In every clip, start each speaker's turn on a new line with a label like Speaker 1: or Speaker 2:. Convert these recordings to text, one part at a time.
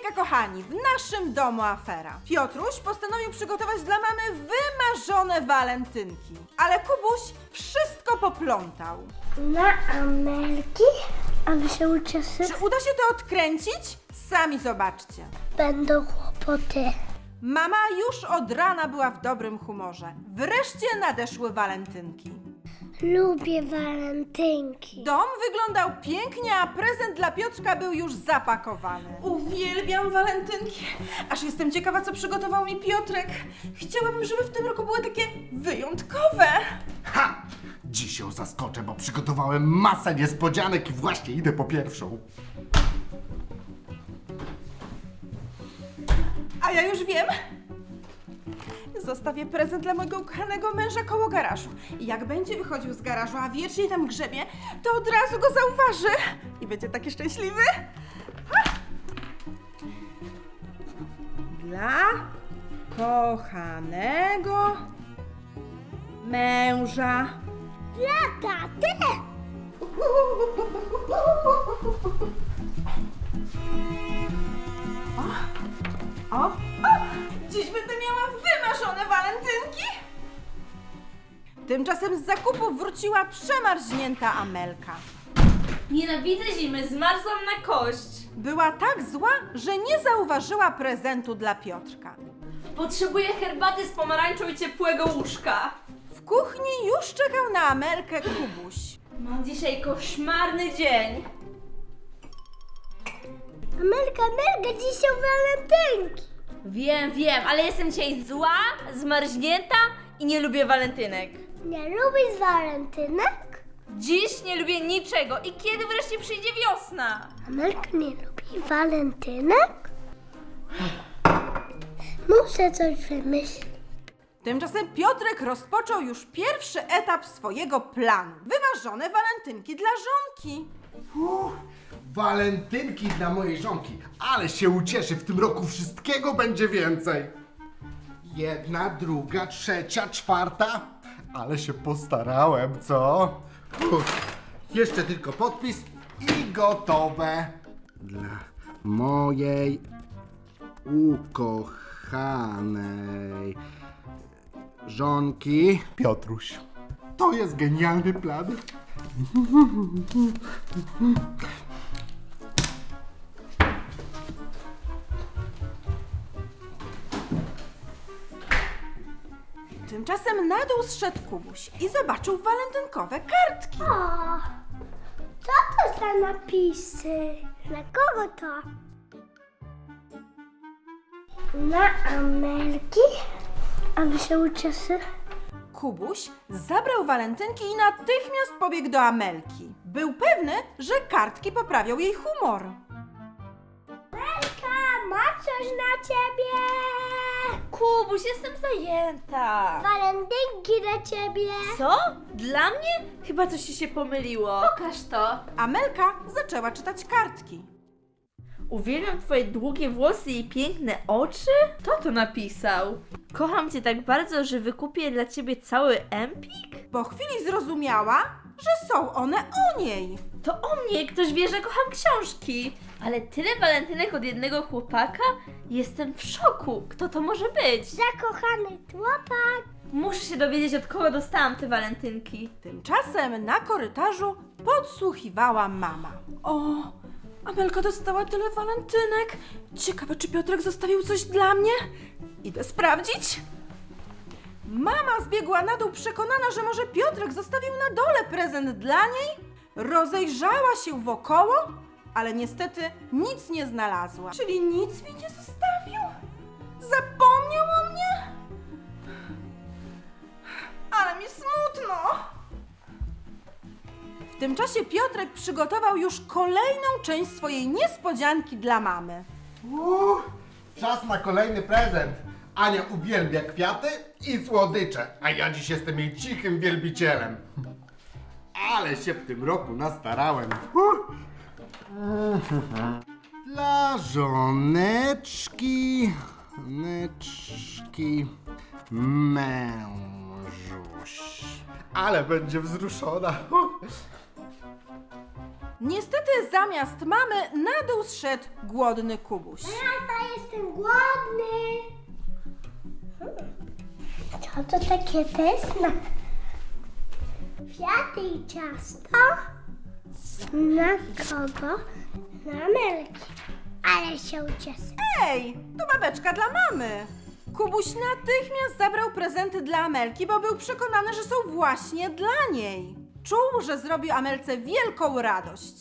Speaker 1: Uwaga kochani, w naszym domu afera. Piotruś postanowił przygotować dla mamy wymarzone walentynki, ale Kubuś wszystko poplątał.
Speaker 2: Na Amelki, aby się uczesy.
Speaker 1: Czy uda się to odkręcić? Sami zobaczcie.
Speaker 2: Będą kłopoty.
Speaker 1: Mama już od rana była w dobrym humorze. Wreszcie nadeszły walentynki.
Speaker 2: Lubię walentynki.
Speaker 1: Dom wyglądał pięknie, a prezent dla Piotrka był już zapakowany. Uwielbiam walentynki. Aż jestem ciekawa, co przygotował mi Piotrek. Chciałabym, żeby w tym roku były takie wyjątkowe.
Speaker 3: Ha! Dziś ją zaskoczę, bo przygotowałem masę niespodzianek i właśnie idę po pierwszą.
Speaker 1: A ja już wiem. Zostawię prezent dla mojego ukochanego męża koło garażu. I jak będzie wychodził z garażu, a wiecznie tam grzebie, to od razu go zauważy. I będzie taki szczęśliwy. Ha! Dla kochanego męża.
Speaker 2: Dla taty.
Speaker 1: O! Dziś będę miała wymarzone walentynki! Tymczasem z zakupów wróciła przemarznięta Amelka.
Speaker 4: Nienawidzę zimy, zmarzłam na kość.
Speaker 1: Była tak zła, że nie zauważyła prezentu dla Piotrka.
Speaker 4: Potrzebuję herbaty z pomarańczą i ciepłego łóżka.
Speaker 1: W kuchni już czekał na Amelkę Kubuś.
Speaker 4: Mam dzisiaj koszmarny dzień.
Speaker 2: Amelka, dziś są walentynki.
Speaker 4: Wiem, ale jestem dzisiaj zła, zmarznięta i nie lubię walentynek.
Speaker 2: Nie lubisz walentynek?
Speaker 4: Dziś nie lubię niczego i kiedy wreszcie przyjdzie wiosna?
Speaker 2: Amelka nie lubi walentynek? Muszę coś wymyślić.
Speaker 1: Tymczasem Piotrek rozpoczął już pierwszy etap swojego planu. Wymarzone walentynki dla żonki.
Speaker 3: Walentynki dla mojej żonki, ale się ucieszy, w tym roku wszystkiego będzie więcej. Jedna, druga, trzecia, czwarta, ale się postarałem, co? Jeszcze tylko podpis i gotowe. Dla mojej ukochanej żonki Piotruś. To jest genialny plan.
Speaker 1: Tymczasem na dół zszedł Kubuś i zobaczył walentynkowe kartki.
Speaker 2: O, co to za napisy? Dla kogo to? Na Amelki, aby się uczesy.
Speaker 1: Kubuś zabrał walentynki i natychmiast pobiegł do Amelki. Był pewny, że kartki poprawią jej humor.
Speaker 2: Amelka, ma coś na ciebie.
Speaker 4: Kubuś, jestem zajęta.
Speaker 2: Walentynki dla ciebie.
Speaker 4: Co? Dla mnie? Chyba coś ci się pomyliło. Pokaż to.
Speaker 1: Amelka zaczęła czytać kartki.
Speaker 4: Uwielbiam twoje długie włosy i piękne oczy? Kto to napisał? Kocham cię tak bardzo, że wykupię dla ciebie cały empik?
Speaker 1: Po chwili zrozumiała, że są one o niej.
Speaker 4: To o mnie, ktoś wie, że kocham książki. Ale tyle walentynek od jednego chłopaka? Jestem w szoku. Kto to może być?
Speaker 2: Zakochany chłopak.
Speaker 4: Muszę się dowiedzieć, od kogo dostałam te walentynki.
Speaker 1: Tymczasem na korytarzu podsłuchiwała mama. O, Amelka dostała tyle walentynek. Ciekawe, czy Piotrek zostawił coś dla mnie? Idę sprawdzić. Mama zbiegła na dół przekonana, że może Piotrek zostawił na dole prezent dla niej. Rozejrzała się wokoło, ale niestety nic nie znalazła. Czyli nic mi nie zostawił? Zapomniał o mnie? Ale mi smutno. W tym czasie Piotrek przygotował już kolejną część swojej niespodzianki dla mamy.
Speaker 3: Czas na kolejny prezent. Ania uwielbia kwiaty i słodycze, a ja dziś jestem jej cichym wielbicielem. Ale się w tym roku nastarałem. Dla żoneczki, mężuś. Ale będzie wzruszona.
Speaker 1: Niestety zamiast mamy na dół zszedł głodny Kubuś.
Speaker 2: Tata, jestem głodny. Co to takie pyszne? Kwiaty i ciasto? Na kogo? Na Amelki. Ale się ucieszę.
Speaker 1: Ej, to babeczka dla mamy. Kubuś natychmiast zabrał prezenty dla Amelki, bo był przekonany, że są właśnie dla niej. Czuł, że zrobił Amelce wielką radość.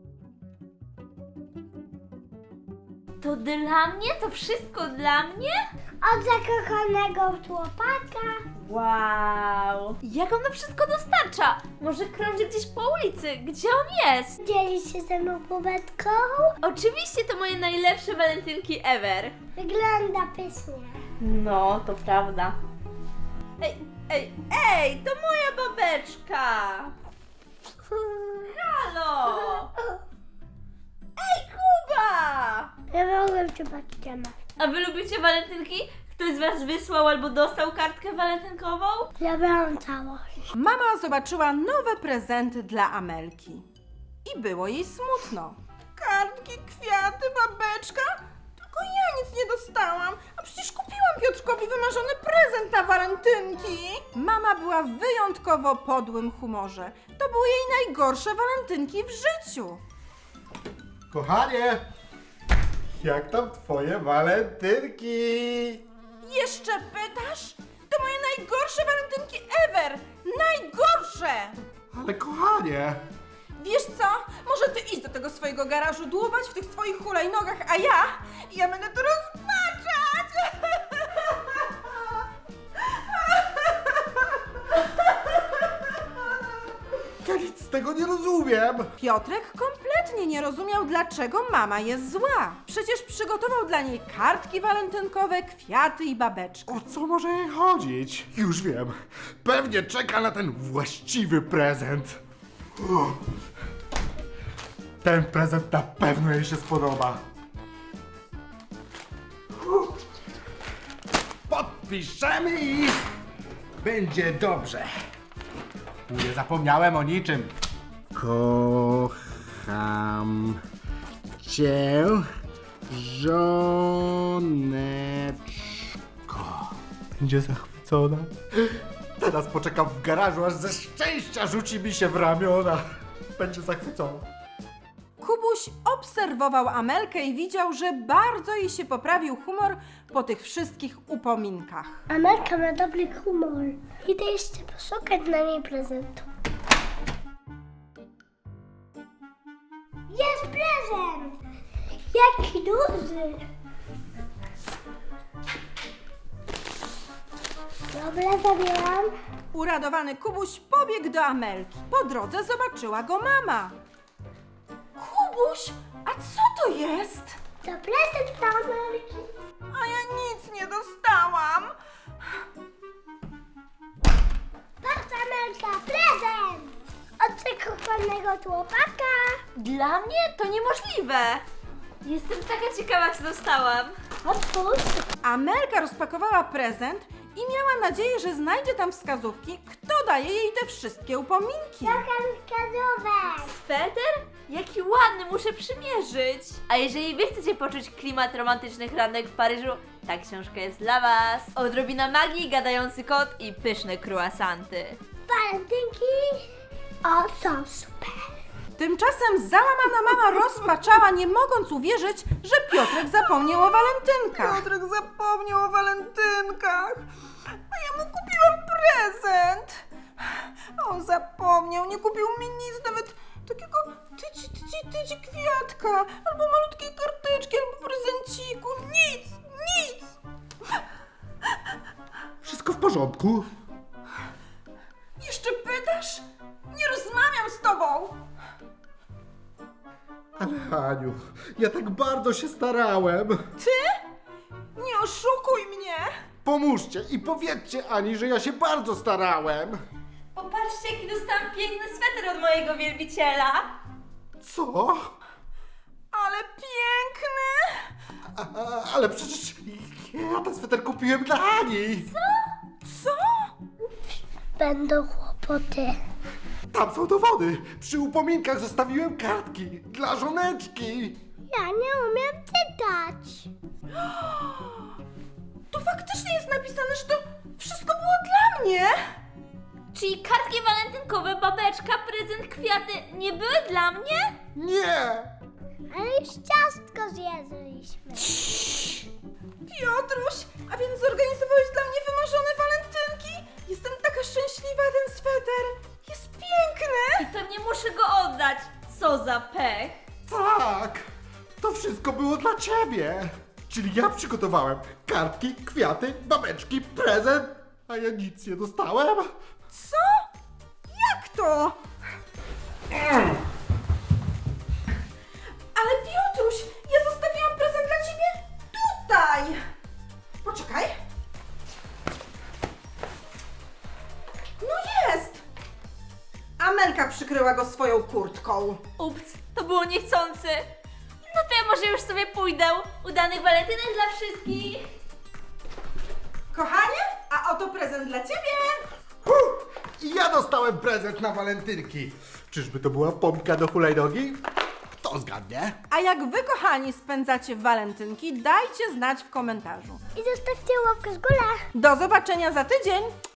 Speaker 4: To dla mnie? To wszystko dla mnie?
Speaker 2: Od zakochanego chłopaka.
Speaker 4: Wow! Jak on to wszystko dostarcza? Może krąży gdzieś po ulicy? Gdzie on jest?
Speaker 2: Dzieli się ze mną kubetką.
Speaker 4: Oczywiście to moje najlepsze walentynki ever.
Speaker 2: Wygląda pysznie.
Speaker 4: No, to prawda. Ej, to moja babeczka! Halo! Ej, Kuba!
Speaker 2: Ja mogłem cię patrzeć.
Speaker 4: A wy lubicie walentynki? Ktoś z was wysłał albo dostał kartkę walentynkową?
Speaker 2: Zabrałam całość.
Speaker 1: Mama zobaczyła nowe prezenty dla Amelki. I było jej smutno. Kartki, kwiaty, babeczka? Tylko ja nic nie dostałam. A przecież kupiłam Piotrkowi wymarzony prezent na walentynki. Mama była w wyjątkowo podłym humorze. To były jej najgorsze walentynki w życiu.
Speaker 3: Kochanie, jak tam twoje walentynki?
Speaker 1: Jeszcze pytasz? To moje najgorsze walentynki ever! Najgorsze!
Speaker 3: Ale kochanie,
Speaker 1: Wiesz co? Może ty idź do tego swojego garażu dłubać w tych swoich hulajnogach, a ja będę to rozpaczać!
Speaker 3: ja nic z tego nie rozumiem.
Speaker 1: Piotrek kompletnie nie rozumiał, dlaczego mama jest zła. Przecież przygotował dla niej kartki walentynkowe, kwiaty i babeczkę.
Speaker 3: O co może jej chodzić? Już wiem. Pewnie czeka na ten właściwy prezent. Uff. Ten prezent na pewno jej się spodoba. Uff. Podpiszemy i będzie dobrze. Nie zapomniałem o niczym. Kocham cię, żoneczko. Będzie zachwycona. Teraz poczekam w garażu, aż ze szczęścia rzuci mi się w ramiona. Będzie zachwycona.
Speaker 1: Kubuś obserwował Amelkę i widział, że bardzo jej się poprawił humor po tych wszystkich upominkach.
Speaker 2: Amelka ma dobry humor. Idę jeszcze poszukać dla niej prezentu. Jest prezent! Jaki duży! Dobra, zabieram.
Speaker 1: Uradowany Kubuś pobiegł do Amelki. Po drodze zobaczyła go mama. Kubuś, a co to jest?
Speaker 2: To prezent dla Amelki.
Speaker 1: A ja nic nie dostałam.
Speaker 2: Patrz, Amelka, prezent! Od zakochanego chłopaka.
Speaker 4: Dla mnie to niemożliwe. Jestem taka ciekawa, co dostałam.
Speaker 2: Otwórz.
Speaker 1: Amelka rozpakowała prezent i miała nadzieję, że znajdzie tam wskazówki, kto daje jej te wszystkie upominki.
Speaker 2: Szukam wskazówek.
Speaker 4: Sweter? Jaki ładny, muszę przymierzyć. A jeżeli wy chcecie poczuć klimat romantycznych randek w Paryżu, ta książka jest dla was. Odrobina magii, gadający kot i pyszne croissanty.
Speaker 2: Walentynki. O, są super.
Speaker 1: Tymczasem załamana mama rozpaczała, nie mogąc uwierzyć, że Piotrek zapomniał o walentynkach. Piotrek zapomniał o walentynkach, a ja mu kupiłam prezent. A on zapomniał, nie kupił mi nic, nawet takiego tyci kwiatka, albo malutkiej karteczki, albo prezenciku. Nic, nic.
Speaker 3: Wszystko w porządku?
Speaker 1: Jeszcze pytasz? Nie rozmawiam z tobą.
Speaker 3: Ale Aniu, ja tak bardzo się starałem.
Speaker 1: Ty? Nie oszukuj mnie.
Speaker 3: Pomóżcie i powiedzcie Ani, że ja się bardzo starałem.
Speaker 4: Popatrzcie, jaki dostałam piękny sweter od mojego wielbiciela.
Speaker 3: Co?
Speaker 1: Ale piękny.
Speaker 3: Ale przecież ja ten sweter kupiłem dla Ani.
Speaker 1: Co?
Speaker 2: Będą kłopoty.
Speaker 3: Tam są dowody. Przy upominkach zostawiłem kartki dla żoneczki.
Speaker 2: Ja nie umiem czytać.
Speaker 1: Tu faktycznie jest napisane, że to wszystko było dla mnie.
Speaker 4: Czyli kartki walentynkowe, babeczka, prezent, kwiaty nie były dla mnie?
Speaker 3: Nie!
Speaker 2: Ale już ciastko zjedliśmy.
Speaker 1: Piotruś, a więc zorganizowałeś dla mnie wymarzone walentynki? Jestem taka szczęśliwa, ten sweter. Jest piękny.
Speaker 4: I pewnie muszę go oddać. Co za pech.
Speaker 3: Tak! To wszystko było dla ciebie. Czyli ja przygotowałem kartki, kwiaty, babeczki, prezent, a ja nic nie dostałem.
Speaker 1: Co? Jak to? Ale Piotruś, ja zostawiłam prezent dla ciebie tutaj. Poczekaj. No jest. Amelka przykryła go swoją kurtką.
Speaker 4: Ups, to było niechcący. No to ja może już sobie pójdę. Udanych walentynek dla wszystkich.
Speaker 1: Kochanie, a oto prezent dla ciebie.
Speaker 3: I ja dostałem prezent na walentynki. Czyżby to była pompka do hulajnogi? Kto zgadnie?
Speaker 1: A jak wy, kochani, spędzacie walentynki, dajcie znać w komentarzu.
Speaker 2: I zostawcie łapkę w górę.
Speaker 1: Do zobaczenia za tydzień.